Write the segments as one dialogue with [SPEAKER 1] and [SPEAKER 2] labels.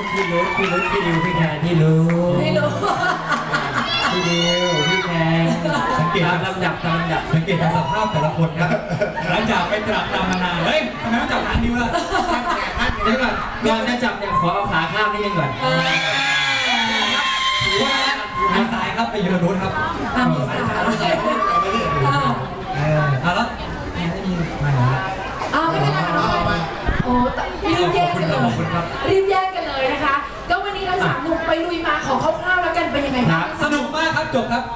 [SPEAKER 1] พี่รุ้พี่ดิวพี่แคนพี่รู้พี่ดิวพี่แคนสังเกตลำดับ
[SPEAKER 2] สังเกตสภาพแต่ละคนนะหลังจากไปตรับตามมานานเฮ้ยทำไมต้องจับขาดิวล่ะ
[SPEAKER 1] เดี๋ยวก่อนจะจับเนี่ยขอเอาขาข้ามนิดนึงก่อน
[SPEAKER 2] ถือว่าทางซ้ายครับไปยืนนู้นครับ
[SPEAKER 3] มือซ้ายแล้ว
[SPEAKER 2] นี่มา
[SPEAKER 3] ไม่เป็นไรค่ะน้องโอ้รีบแยกกันเลยนะคะก็วันนี้ทั้งสามหนุ่มไปลุยมาขอคร่าวๆแล้วกันเป็นยังไงบ้าง
[SPEAKER 2] สนุกมากครับจบครับ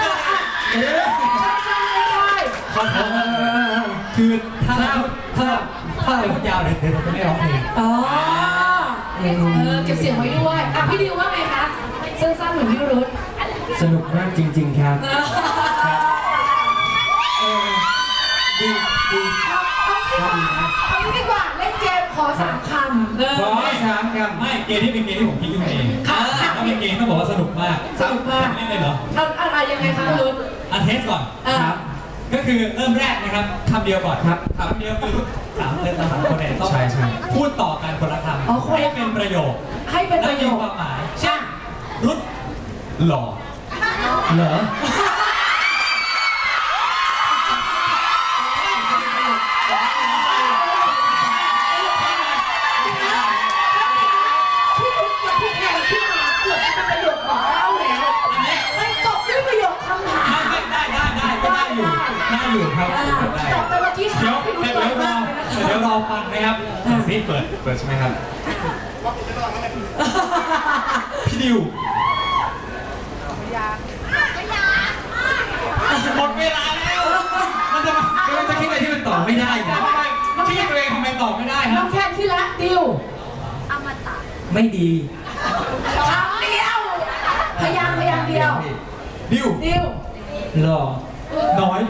[SPEAKER 2] คือถ้าพูดยาวเลยเดี๋ยวจะไม่ร้องเพลง
[SPEAKER 3] เก็บเสียงไว้ด้วยพี่ดิวว่าไงคะสั้นๆเหมือนพี่รุ้
[SPEAKER 1] สนุกมากจริงๆครับดี
[SPEAKER 3] เอาดีกว่าเล่นเกมขอ3 คำ
[SPEAKER 1] ขอ3 คำ
[SPEAKER 2] ไม่เกมที่เป็นเกมที่ผมคิดขึ้นมาเองถ้าเป็นเกมต้องบอกว่าสนุกมากไม่ได้เหรอ
[SPEAKER 3] อะไรยังไงคะรุ้
[SPEAKER 2] เทสก่อนครับก็คือเริ่มแรกนะครับคำเดียวก่อนครับคำเดียวคือ3 คนเนี่ยต้องพูดต่อกันคนละคำให้เป็นประโยคความหมายเช่นรุดหล่อ
[SPEAKER 1] เหรอ
[SPEAKER 2] ครับ
[SPEAKER 3] แต่เมื่อกี้เขา
[SPEAKER 2] เดี๋ยวรอฟังนะครับซีเปิดใช่ไหมครับพี่ดิวหมดเวลาแล้วมันจะคิดอะไรที่มันตอบไม่ได้นะคิดตัวเองทำไมตอบไม่ได้ครับ
[SPEAKER 3] น้องแคนที่ละดิว
[SPEAKER 1] อมตะไม่ดี
[SPEAKER 3] คำเดียวพยางเดียว
[SPEAKER 2] ดิว
[SPEAKER 1] หล่อ
[SPEAKER 2] น้อย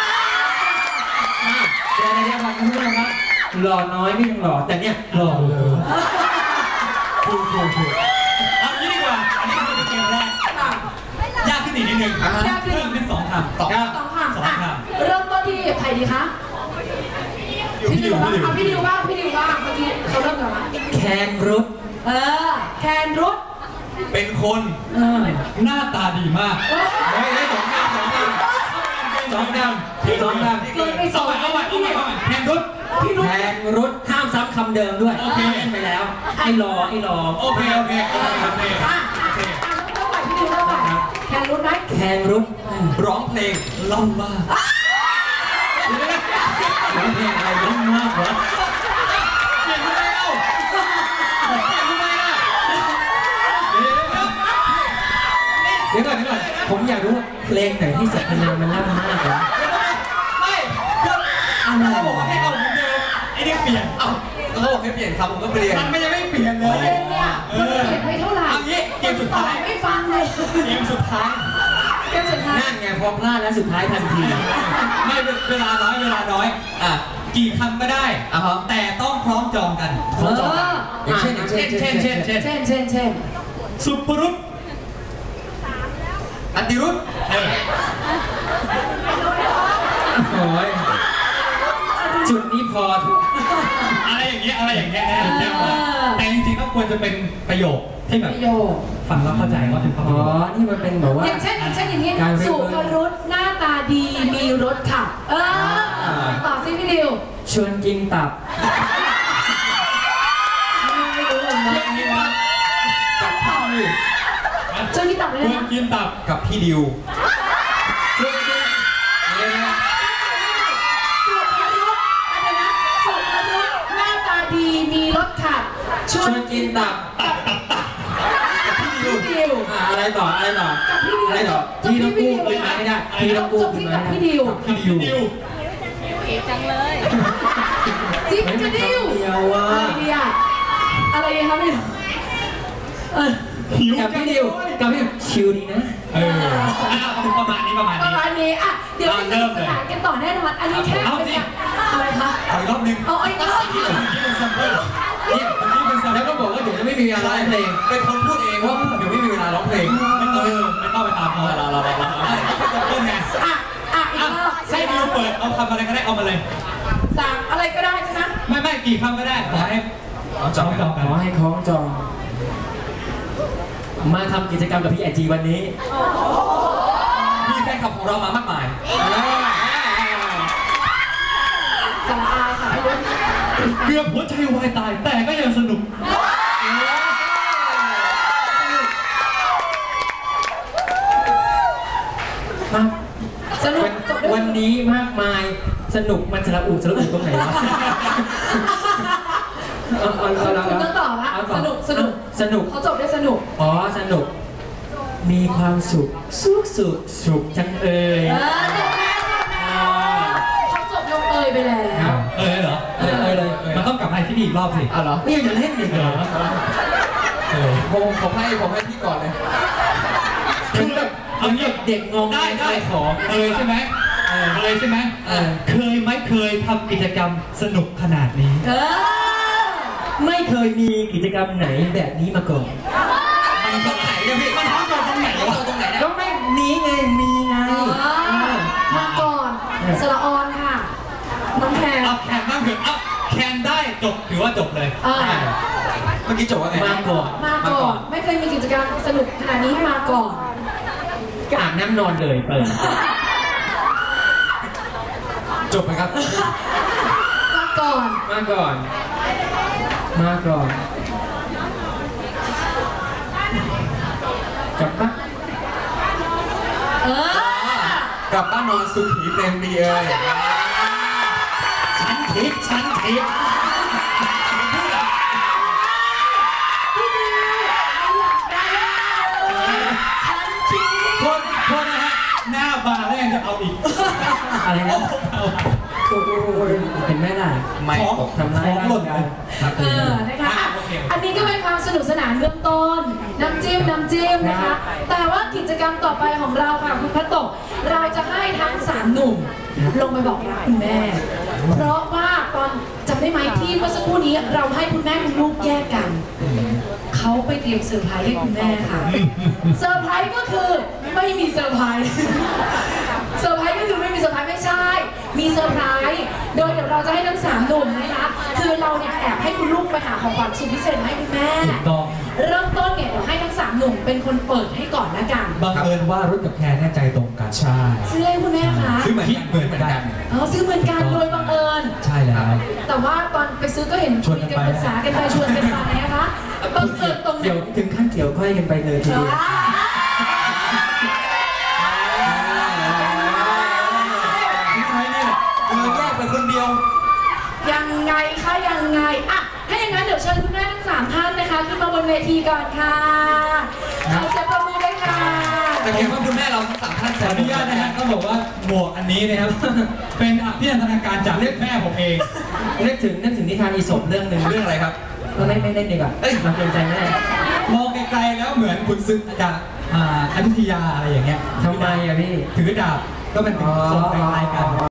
[SPEAKER 1] เดี๋ยวก่อนคุณผู้ชมครับหล่อน้อยไม่ยังหล่อแต่เนี่ยหล่อเลย
[SPEAKER 2] ถูกเอางี้ดีกว่าอันนี้คือเกมแรกยากขึ้นอีกนิดนึงเพิ่มเป็น2 คำ
[SPEAKER 3] เริ่มต้นที่ใครดีคะพี่ดิวบ้างเมื่อกี้เขาเริ่มกันมา
[SPEAKER 1] แคนรุด
[SPEAKER 3] แคนรุด
[SPEAKER 2] เป็นคนหน้าตาดีมากได้2 คำเอาใหม่แคน
[SPEAKER 1] รุดห้ามซ้ำคำเดิมด้วยไปแล้วไอ้รอ
[SPEAKER 2] โอเค
[SPEAKER 3] เริ่มใหม่พี่ดิวเริ่มใหม่แคนรุดไหม
[SPEAKER 1] แคนรุด
[SPEAKER 2] ร้องเพลงล่ำมาก
[SPEAKER 1] ร้องเพลงอะไรล่ำมากวะ
[SPEAKER 2] เก่งทำไมเล่า
[SPEAKER 1] เดี๋ยวก่อนผมอยากรู้เพลงไหนที่สรรพนามมันล่ำมากวะ
[SPEAKER 2] เขาบอกว่าให้เอาเหมือนเดิมไอ้นี่เปลี่ยน
[SPEAKER 4] เขาบอกให้เปลี่ยนคำผมก็เปลี่ยน
[SPEAKER 2] มันไม่ยังไม่เปลี่ยนเลย
[SPEAKER 3] เนี่ยเปลี่ยนไม่เท่าไหร่
[SPEAKER 2] เกมสุดท้าย
[SPEAKER 3] ไม่ฟังเลย
[SPEAKER 2] เกมสุดท้าย
[SPEAKER 1] นั่นไงพอพลาดแล้วสุดท้ายทันที
[SPEAKER 2] ไม่เวลาน้อยกี่คำก็ได้แต่ต้องพร้อมจองกัน
[SPEAKER 1] เช่น
[SPEAKER 2] สุปรุตอติรุต
[SPEAKER 1] โอ้ยจุดนี้พอ
[SPEAKER 2] อะไรอย่างเงี้ยแต่จริงๆก็ควรจะเป็นประโยคที่แบบฟังแล้วเข้าใจว่าเป็น
[SPEAKER 1] นี่มันเป็นแบบว่า
[SPEAKER 3] อย่างเช่นอย่างนี้สุภรุตหน้าตาดีมีรถขับต่อซิพี่ดิว
[SPEAKER 1] ชวนกินตับ
[SPEAKER 3] ไม่รู้เลยนะกับพี่ดิวชวนกินตับเลยนะ
[SPEAKER 2] ชวนกินตับกับพี่ดิว
[SPEAKER 3] มีรถขับ
[SPEAKER 1] ชวนกินตับ
[SPEAKER 3] พี่ดิว
[SPEAKER 1] อะไรต่อพี่ต้องกู้ขึ้นมาไม่ได้พี่ต้องกู้ขึ้นมา
[SPEAKER 3] พี่ดิว
[SPEAKER 4] จังเลย
[SPEAKER 3] จิ๊บกระดิวอะไรครับ
[SPEAKER 1] พี่กับพี่ดิวชิลดีนะ
[SPEAKER 2] ประมาณนี้
[SPEAKER 3] เดี๋ยวจะสนานกันต่อแน่นอนอันนี้แค่อะไรคะ
[SPEAKER 2] เอาอีกรอบนึง
[SPEAKER 1] แล้วก็บอกว่าเดี๋ยวจะไม่มีเวลาร้องเพลง
[SPEAKER 4] เป็นคนพูดเองว่าเดี๋ยวไม่มีเวลาร้องเพลง
[SPEAKER 2] ไม่ต้องไปตามเขาเราเริ่มไงให้ดิวเปิดเอาคำอะไรก็ได้เอามาเลย
[SPEAKER 3] 3อะไรก็ได้ใช่ไหม
[SPEAKER 2] ไม่กี่คำก็ได้ขอให้
[SPEAKER 1] ขอให้คล้องจองมาทำกิจกรรมกับพี่ไอจีวันนี้
[SPEAKER 2] มีแฟนคลับของเรามามากมาย
[SPEAKER 3] สาระอาค่ะพี่รุ่น
[SPEAKER 2] เกือบหัวใจวายตายแต่ก็ยังสนุก
[SPEAKER 3] สนุกจบด้วย
[SPEAKER 1] วันนี้มากมายสนุกมันสระอุตรงไหนวะ
[SPEAKER 3] คุณต้องตอบละสนุกสนุก
[SPEAKER 1] สนุก
[SPEAKER 3] เขาจบด้วยสนุก
[SPEAKER 1] อ๋อสนุกมีความสุขสุขจังเอ่ย
[SPEAKER 3] จบแล้วเขาจบลงเอยไปแล้ว
[SPEAKER 2] เหรอ
[SPEAKER 1] เลย
[SPEAKER 2] มันต้องกลับมาที่นี่อีกรอบสิ
[SPEAKER 1] อ๋อเหรอนี่อย่าเล่นดิเหรอ
[SPEAKER 4] ผมให้พี่ก่อนเลย
[SPEAKER 1] คือแบบเอาเด็กงง
[SPEAKER 2] ได้ขอเคยใช่ไหมเคยไหมเคยทำกิจกรรมสนุกขนาดนี้
[SPEAKER 1] ไม่เคยมีกิจกรรมไหนแบบนี้มาก่อน
[SPEAKER 4] มันตรงไหนเนี่ยพี่มันท้องตรงไหนตรงไหนเนี่ย
[SPEAKER 1] ก็ไม่นี้ไงมีไง
[SPEAKER 3] มาก่อนสระออนค่ะน้องแพร
[SPEAKER 2] เอาแคนบ้างเถอะเอาแคนได้จบถือว่าจบเลย
[SPEAKER 4] เมื่อกี้จบว่าไง
[SPEAKER 1] มาก่อน
[SPEAKER 3] มาก่อนไม่เคยมีกิจกรรมสนุกขนาดนี้มาก่อน
[SPEAKER 1] ก็อาบน้ำนอนเลยเปิด
[SPEAKER 4] จบไหมครับ
[SPEAKER 3] มาก่อน
[SPEAKER 1] มาก่อนกลับบ้าน
[SPEAKER 4] กลับบ้านนอนสุขีเต็มดีเอ้ย
[SPEAKER 1] ฉันทิพย์
[SPEAKER 3] พี่ดิวอยากได้ฉันคิด
[SPEAKER 2] โทษนะฮะหน้าบานแล้วยังจะเอาอีก
[SPEAKER 1] อะไรนะเห็นไหมล่ะ
[SPEAKER 4] ไม่
[SPEAKER 2] ของ
[SPEAKER 1] ทำร้ายร่างกาย
[SPEAKER 3] นะคะอันนี้ก็เป็นความสนุกสนานเบื้องต้นน้ำจิ้มนะคะ แต่ว่ากิจกรรมต่อไปของเราค่ะคุณพัตโตะเราจะให้ทั้ง3หนุ่มลงไปบอกรักคุณแม่ เพราะว่าตอนจำได้ไหมที่เมื่อสักครู่นี้เราให้คุณแม่คุณลูกแยกกันเขาไปเตรียมเซอร์ไพรส์ให้คุณแม่ค่ะเซอร์ไพรส์ก็คือไม่มีเซอร์ไพรส์เซอร์ไพรส์ก็คือไม่มีเซอร์ไพรส์ไม่ใช่ มีเซอร์ไพรส์โดยเดี๋ยวเราจะให้ทั้ง3หนุ่มนะคะคือเราเนี่ยแอบให้คุณลูกไปหาของขวัญสุดพิเศษมาให้คุณแม่
[SPEAKER 2] ถูกต้อง
[SPEAKER 3] เริ่มต้นเนี่ยเดี๋ยวให้ทั้ง3หนุ่มเป็นคนเปิดให้ก่อนละกัน
[SPEAKER 2] บังเอิญว่ารุ่นกับแคนแน่ใจตรงกันใช่
[SPEAKER 3] ซื้อให้คุณแม่คะ
[SPEAKER 4] คือเหมือนกัน
[SPEAKER 3] ซื้อเหมือนกันโดยบังเอิญ
[SPEAKER 2] ใช่แล้ว
[SPEAKER 3] แต่ว่าตอนไปซื้อก็เห็นคุยกันปรึกษากันไปชวนกันไปนะคะบังเอิญตรงไหน
[SPEAKER 1] เดี๋ยวถึงขั้นเกี่ยวก้อยกันไปเลยทีเดียว
[SPEAKER 4] พี่ไทยเนี่ยแยกไปคนเดียว
[SPEAKER 3] ยังไงคะยังไงอ่ะถ้าอย่างนั้นเดี๋ยวเชิญคุณแม่ทั้ง3ท่านนะคะขึ้นมาบนเวทีก่อนค่ะเอาเสียงปรบมือด้วยค่ะ
[SPEAKER 4] แต่เห็นว่าคุณแม่เราทั้ง3ท่าน
[SPEAKER 2] ขออนุญาตนะฮะต้องบอกว่าหมวกอันนี้นะครับ เป็นอภินันทนาการจากเรียกแม่ผมเอง
[SPEAKER 1] นึกถึงนิทานอีสปเรื่องหนึ่ง
[SPEAKER 4] เรื่องอะไรครับ
[SPEAKER 1] ก็ไม่เล่นดีกว่ามาเกรงใจแม่
[SPEAKER 2] มองไกลๆแล้วเหมือนคุณซึกจากอยุธยาอะไรอย่างเงี้ย
[SPEAKER 1] ทำไมอะพี่
[SPEAKER 2] ถือดาบก็เป็นทรงคล้ายๆกัน